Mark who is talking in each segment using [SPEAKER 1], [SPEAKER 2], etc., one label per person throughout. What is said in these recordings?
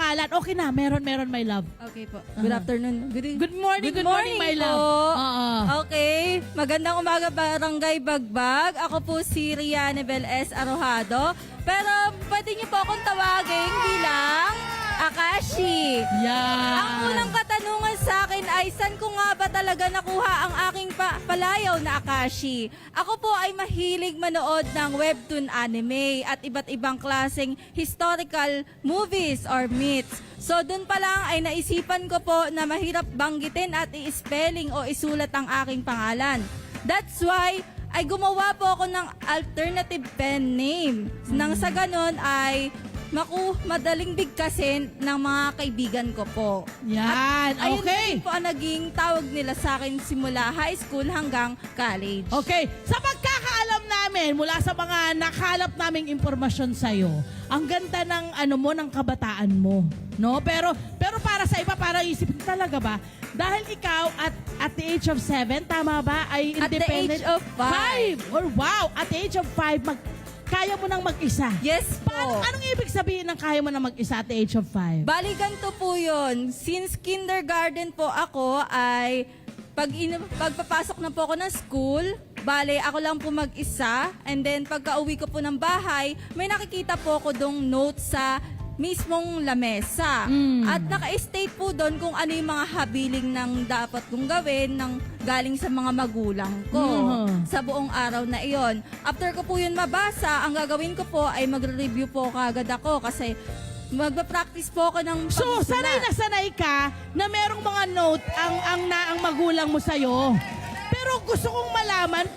[SPEAKER 1] pangalan. Okay na, meron, my love.
[SPEAKER 2] Okay po. Good afternoon.
[SPEAKER 1] Good morning, my love. Oo.
[SPEAKER 2] Okay. Magandang umaga, Barangay Bagbag. Ako po si Rianebel S. Arojado. Pero pwede niyo po akong tawagin bilang Akashi.
[SPEAKER 1] Yan.
[SPEAKER 2] Ang unang katanungan sa akin ay saan ko nga ba talaga nakuha ang aking palayaw na Akashi? Ako po ay mahilig manood ng webtoon anime at iba't ibang klaseng historical movies or myths. So dun pa lang ay naisipan ko po na mahirap banggitin at i-spelling o isulat ang aking pangalan. That's why ay gumawa po ako ng alternative pen name. Nang sa ganon ay madaling bigkasin ng mga kaibigan ko po.
[SPEAKER 1] Yan,
[SPEAKER 2] At ayun
[SPEAKER 1] okay.
[SPEAKER 2] din po ang naging tawag nila sa akin simula high school hanggang college.
[SPEAKER 1] Okay, sa pagkakaalam namin, mula sa mga nakalap naming impormasyon sa'yo, ang ganda ng ng kabataan mo, no? Pero para sa iba, parang isipin talaga ba? Dahil ikaw at the age of 7, tama ba? Ay
[SPEAKER 2] At the
[SPEAKER 1] independent.
[SPEAKER 2] age of
[SPEAKER 1] 5.
[SPEAKER 2] 5.
[SPEAKER 1] Or wow, at the age of 5, kaya mo nang mag-isa.
[SPEAKER 2] Yes po.
[SPEAKER 1] Anong ibig sabihin ng kaya mo nang mag-isa at the age of 5?
[SPEAKER 2] Bali, ganito po yun. Since kindergarten po ako ay pagpapasok na po ako ng school, bali, ako lang po mag-isa. And then, pagka-uwi ko po ng bahay, may nakikita po ako dong notes sa mismong lamesa. At naka-state po doon kung ano yung mga habiling ng dapat kong gawin ng galing sa mga magulang ko sa buong araw na iyon. After ko po yun mabasa, ang gagawin ko po ay magre-review po kagad ako kasi magpa-practice po ako ng
[SPEAKER 1] So,
[SPEAKER 2] pagsusulat.
[SPEAKER 1] sanay na sanay ka na merong mga note ang magulang mo sa'yo. Pero gusto kong malaman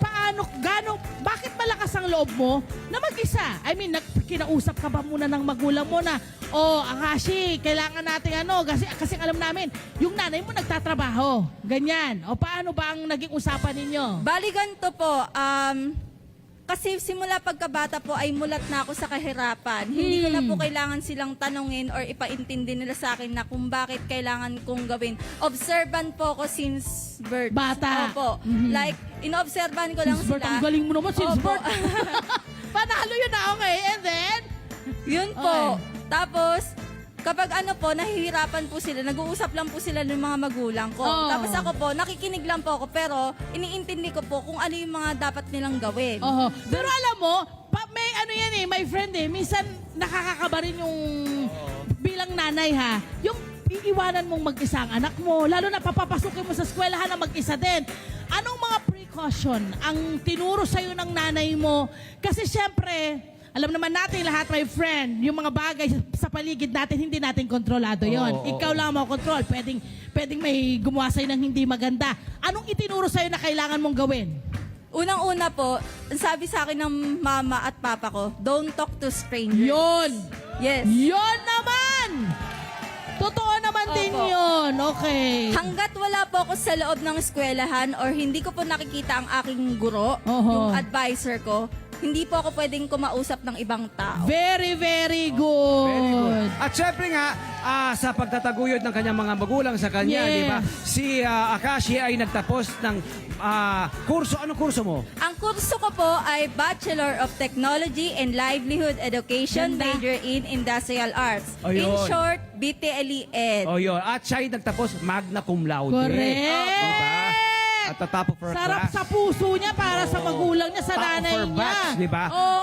[SPEAKER 1] bakit malakas ang loob mo na mag-isa? I mean, kinausap ka ba muna ng magulang mo na, Akashi, kailangan natin kasi alam namin, yung nanay mo nagtatrabaho. Ganyan. O paano ba ang naging usapan ninyo?
[SPEAKER 2] Bali ganito po, kasi simula pagkabata po ay mulat na ako sa kahirapan. Hindi ko na po kailangan silang tanungin or ipaintindi nila sa akin na kung bakit kailangan kong gawin. Observant po ako since birth.
[SPEAKER 1] Bata.
[SPEAKER 2] Opo. Like, inobserban ko lang
[SPEAKER 1] Since birth,
[SPEAKER 2] sila.
[SPEAKER 1] ang galing mo naman, since
[SPEAKER 2] Opo.
[SPEAKER 1] birth. Panalo yun na, okay. And then?
[SPEAKER 2] Yun po.
[SPEAKER 1] Okay.
[SPEAKER 2] Tapos, kapag nahihirapan po sila, nag-uusap lang po sila ng mga magulang ko.
[SPEAKER 1] Oh.
[SPEAKER 2] Tapos ako po, nakikinig lang po ako, pero iniintindi ko po kung ano yung mga dapat nilang gawin.
[SPEAKER 1] Pero alam mo, may my friend minsan nakakakaba rin yung bilang nanay yung iiwanan mong mag-isa ang anak mo, lalo na papapasukin mo sa eskwelahan na mag-isa din. Anong mga precaution ang tinuro sa'yo ng nanay mo? Kasi syempre, alam naman natin lahat, my friend, yung mga bagay sa paligid natin, hindi natin kontrolado yon. Ikaw lang mo control. Pwedeng may gumawa sa'yo ng hindi maganda. Anong itinuro sa'yo na kailangan mong gawin?
[SPEAKER 2] Unang-una po, sabi sa akin ng mama at papa ko, don't talk to strangers.
[SPEAKER 1] Yon!
[SPEAKER 2] Yes.
[SPEAKER 1] Yon naman! Totoo naman din
[SPEAKER 2] Opo.
[SPEAKER 1] yun. Okay.
[SPEAKER 2] Hanggat wala po ako sa loob ng eskwelahan or hindi ko po nakikita ang aking guro, yung advisor ko, hindi po ako pwedeng kumausap ng ibang tao.
[SPEAKER 1] Very, very good.
[SPEAKER 3] Very good. At syempre nga, sa pagtataguyod ng kanyang mga magulang sa kanya,
[SPEAKER 1] Yes.
[SPEAKER 3] di ba? Si Akashi ay nagtapos ng kurso. Anong kurso mo?
[SPEAKER 2] Ang kurso ko po ay Bachelor of Technology and Livelihood Education,
[SPEAKER 1] Ganda.
[SPEAKER 2] major in Industrial Arts.
[SPEAKER 3] Ayun.
[SPEAKER 2] In short, BTLE-Ed.
[SPEAKER 3] O yun. At siya ay nagtapos magna cum laude.
[SPEAKER 1] Correct.
[SPEAKER 3] Diba? At the top of her
[SPEAKER 1] Sarap
[SPEAKER 3] class.
[SPEAKER 1] sa puso niya para sa magulang niya, sa
[SPEAKER 3] Top of
[SPEAKER 1] nanay
[SPEAKER 3] her
[SPEAKER 1] niya.
[SPEAKER 3] batch, di ba?
[SPEAKER 1] Oo.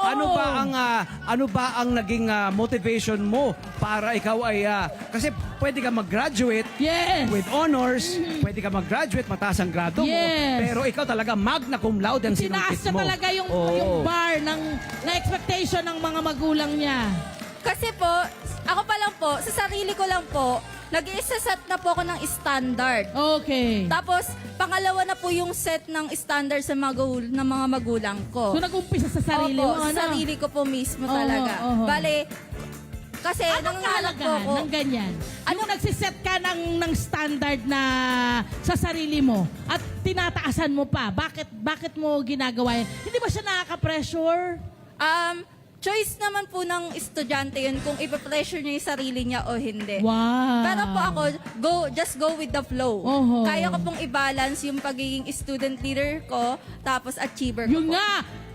[SPEAKER 3] Ano ba ang naging motivation mo para ikaw ay kasi pwede ka mag-graduate
[SPEAKER 1] Yes.
[SPEAKER 3] with honors, pwede ka mag-graduate, mataas ang grado mo,
[SPEAKER 1] Yes.
[SPEAKER 3] pero ikaw talaga magna cum laude ang
[SPEAKER 1] Tinaas
[SPEAKER 3] sinungkit
[SPEAKER 1] niya
[SPEAKER 3] mo.
[SPEAKER 1] talaga yung
[SPEAKER 3] Oo.
[SPEAKER 1] bar na expectation ng mga magulang niya.
[SPEAKER 2] Kasi po, ako pa lang po, sa sarili ko lang po, nag-i-set na po ako ng standard.
[SPEAKER 1] Okay.
[SPEAKER 2] Tapos, pangalawa na po yung set ng standard sa ng mga magulang ko.
[SPEAKER 1] So nag-umpisa sa sarili
[SPEAKER 2] Opo,
[SPEAKER 1] mo, ano?
[SPEAKER 2] sa sarili ko po mismo
[SPEAKER 1] Oo,
[SPEAKER 2] talaga.
[SPEAKER 1] oo.
[SPEAKER 2] Bale, kasi
[SPEAKER 1] Anong
[SPEAKER 2] nangangalak po
[SPEAKER 1] kahalagahan
[SPEAKER 2] ako.
[SPEAKER 1] ng ganyan? Yung nagsiset ka ng standard na sa sarili mo at tinataasan mo pa, bakit mo ginagawa yan? Hindi ba siya nakaka-pressure?
[SPEAKER 2] Choice naman po ng estudyante yun kung ipa-pressure niya yung sarili niya o hindi.
[SPEAKER 1] Wow.
[SPEAKER 2] Pero po ako, just go with the flow.
[SPEAKER 1] Oho.
[SPEAKER 2] Kaya ko pong i-balance yung pagiging student leader ko, tapos achiever ko
[SPEAKER 1] Yung
[SPEAKER 2] po.
[SPEAKER 1] nga,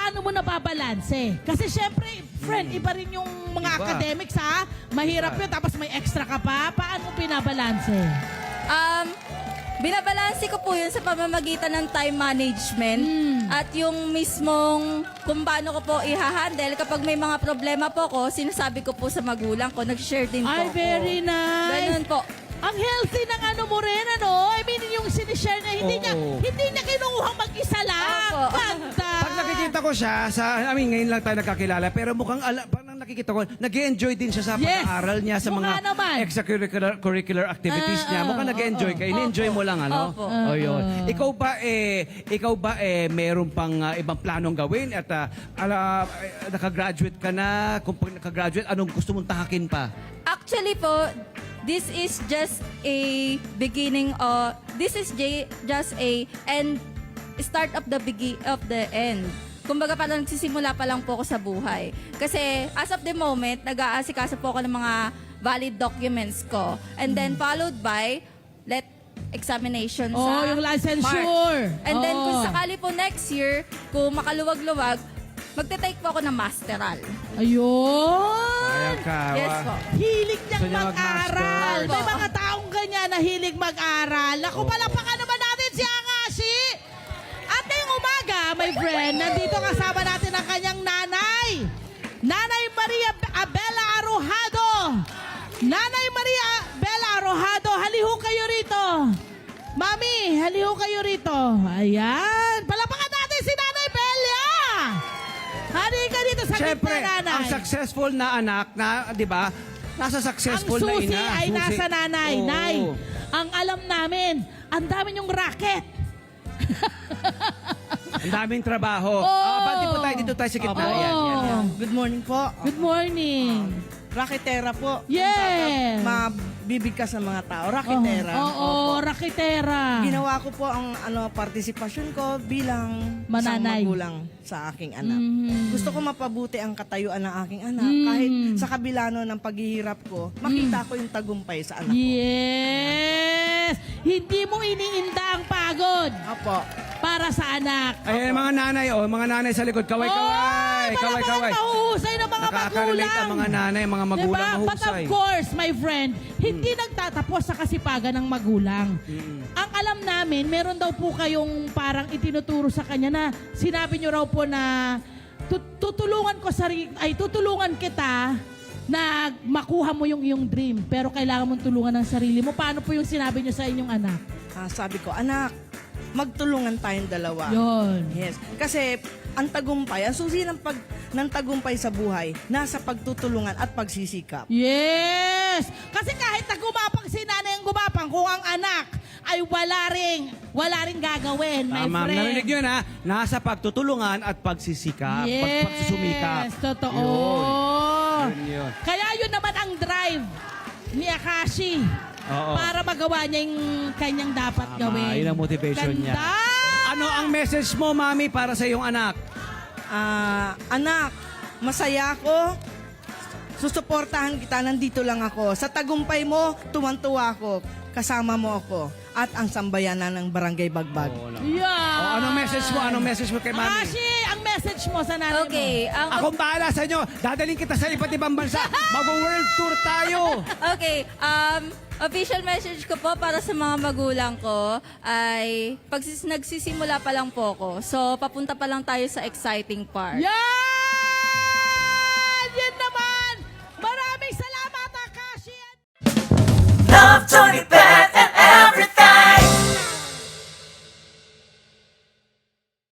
[SPEAKER 1] paano mo nababalanse? Kasi syempre, friend, iba rin yung mga
[SPEAKER 3] Iba.
[SPEAKER 1] academics ha. Mahirap
[SPEAKER 3] Iba.
[SPEAKER 1] yun, tapos may extra ka pa. Paano mo pinabalanse?
[SPEAKER 2] Binabalanse ko po yun sa pamamagitan ng time management at yung mismong kung paano ko po i-handle kapag may mga problema po ko, sinasabi ko po sa magulang ko, nag-share din po
[SPEAKER 1] Ay,
[SPEAKER 2] ako.
[SPEAKER 1] very nice.
[SPEAKER 2] Ganun po.
[SPEAKER 1] Ang healthy ng ano mo rin, ano? I mean, yung sinishare niya,
[SPEAKER 3] Oo.
[SPEAKER 1] hindi niya kinukuhang mag-isa lang.
[SPEAKER 2] Opo.
[SPEAKER 1] Ganda.
[SPEAKER 3] Pag nakikita ko siya, ngayon lang tayo nakakilala, pero mukhang, parang nakikita ko, nag-enjoy din siya sa
[SPEAKER 1] Yes.
[SPEAKER 3] pag-aaral niya, sa
[SPEAKER 1] Mukha
[SPEAKER 3] mga
[SPEAKER 1] naman.
[SPEAKER 3] extracurricular activities niya. Mukhang nag-enjoy ka. In-enjoy mo lang, ano?
[SPEAKER 2] Opo.
[SPEAKER 3] O yun. Ikaw ba, meron pang ibang planong gawin? At nakagraduate ka na? Kung pag nakagraduate, anong gusto mong tahakin pa?
[SPEAKER 2] Actually po, this is just a beginning of, this is just a end, start of the end. Kumbaga parang nagsisimula pa lang po ako sa buhay. Kasi as of the moment, nag-aasikaso po ako ng mga valid documents ko. And then followed by, examination
[SPEAKER 1] Oh,
[SPEAKER 2] sa
[SPEAKER 1] yung licensure.
[SPEAKER 2] March. And then kung
[SPEAKER 1] Oo.
[SPEAKER 2] sakali po next year, kung makaluwag-luwag, magte-take po ako ng masteral.
[SPEAKER 1] Ayun.
[SPEAKER 3] Ayan ka.
[SPEAKER 2] Yes po.
[SPEAKER 1] Hilig niyang
[SPEAKER 3] Gusto niya
[SPEAKER 1] mag-aral.
[SPEAKER 2] mag-master.
[SPEAKER 1] May mga taong ganyan na hilig mag-aral. Naku, palapakan naman natin si Akashi. At ngayong umaga, my friend, nandito kasama natin ang kanyang nanay. Nanay Maria Abela Arojado. Nanay Maria Abela Arojado, haliho kayo rito. Mami, haliho kayo rito. Ayan. Palapakan natin si Nanay Belia. Halika dito sa
[SPEAKER 3] Siyempre,
[SPEAKER 1] gitna, nanay.
[SPEAKER 3] ang successful na anak na, di ba, nasa
[SPEAKER 1] Ang
[SPEAKER 3] successful na
[SPEAKER 1] susi
[SPEAKER 3] ina.
[SPEAKER 1] ay
[SPEAKER 3] Susi.
[SPEAKER 1] nasa nanay.
[SPEAKER 3] Oo.
[SPEAKER 1] Nay, ang alam namin, ang dami yung racket.
[SPEAKER 3] Ang daming trabaho.
[SPEAKER 1] Oo.
[SPEAKER 3] Bati po tayo, dito tayo sa gitna.
[SPEAKER 1] Oo.
[SPEAKER 3] Yan.
[SPEAKER 4] Good morning po.
[SPEAKER 1] Good morning.
[SPEAKER 4] Raketera po.
[SPEAKER 1] Yes.
[SPEAKER 4] Mabibigkas ng mga tao. Raketera.
[SPEAKER 1] Oo, raketera.
[SPEAKER 4] Ginawa ko po ang partisipasyon ko bilang isang
[SPEAKER 1] Mananay.
[SPEAKER 4] magulang sa aking anak.
[SPEAKER 1] Mhm.
[SPEAKER 4] Gusto ko mapabuti ang katayuan ng aking anak.
[SPEAKER 1] Mm.
[SPEAKER 4] Kahit sa kabila no, ng paghihirap ko, makita ko yung tagumpay sa anak ko.
[SPEAKER 1] Yes. Hindi mo iniinda ang pagod
[SPEAKER 4] Opo.
[SPEAKER 1] para sa anak.
[SPEAKER 3] Ay, mga nanay sa likod. Kaway-kaway.
[SPEAKER 1] Oy,
[SPEAKER 3] Kaway-kaway.
[SPEAKER 1] mahuhusay ng mga
[SPEAKER 3] Nakaka-relate
[SPEAKER 1] magulang.
[SPEAKER 3] ang mga nanay, mga magulang
[SPEAKER 1] Diba? But of
[SPEAKER 3] mahusay.
[SPEAKER 1] course, my friend, hindi nagtatapos sa kasipagan ng magulang. Ang alam namin, meron daw po kayong parang itinuturo sa kanya na sinabi nyo raw po na tutulungan kita na makuha mo yung iyong dream, pero kailangan mong tulungan ng sarili mo. Paano po yung sinabi nyo sa inyong anak?
[SPEAKER 4] Sabi ko, anak, magtulungan tayong dalawa.
[SPEAKER 1] Yon.
[SPEAKER 4] Yes. Kasi ang tagumpay, ang susi ng tagumpay sa buhay, nasa pagtutulungan at pagsisikap.
[SPEAKER 1] Yes! Kasi kahit na gumapang si nanay ang gumapang, kung ang anak ay wala ring gagawin, my
[SPEAKER 3] Tama,
[SPEAKER 1] friend.
[SPEAKER 3] narinig nyo na, nasa pagtutulungan at pagsisikap.
[SPEAKER 1] Yes,
[SPEAKER 3] Pagsusumikap.
[SPEAKER 1] totoo.
[SPEAKER 3] Yun.
[SPEAKER 1] Kaya yun naman ang drive ni Akashi
[SPEAKER 3] Oo.
[SPEAKER 1] para magawa niya yung kanyang dapat
[SPEAKER 3] Tama,
[SPEAKER 1] gawin.
[SPEAKER 3] yun ang motivation niya.
[SPEAKER 1] Ganda!
[SPEAKER 3] Ano ang message mo, mami, para sa iyong anak?
[SPEAKER 4] Anak, masaya ako. Susuportahan kita, nandito lang ako. Sa tagumpay mo, tuwan-tuwa ako. Kasama mo ako. At ang sambayanan ng Barangay Bagbag.
[SPEAKER 1] Yeah.
[SPEAKER 3] Anong message mo? Anong message mo kay mami?
[SPEAKER 1] Akashi, ang message mo sa nanay
[SPEAKER 2] Okay, ang
[SPEAKER 3] Akong bahala sa inyo. Dadaling kita sa iba't ibang bansa. Mag-world tour tayo.
[SPEAKER 2] Okay, official message ko po para sa mga magulang ko ay nagsisimula pa lang po ako. So, papunta pa lang tayo sa exciting part.
[SPEAKER 1] Yan! Yan naman! Maraming salamat, Akashi!
[SPEAKER 5] Love Tony Bell.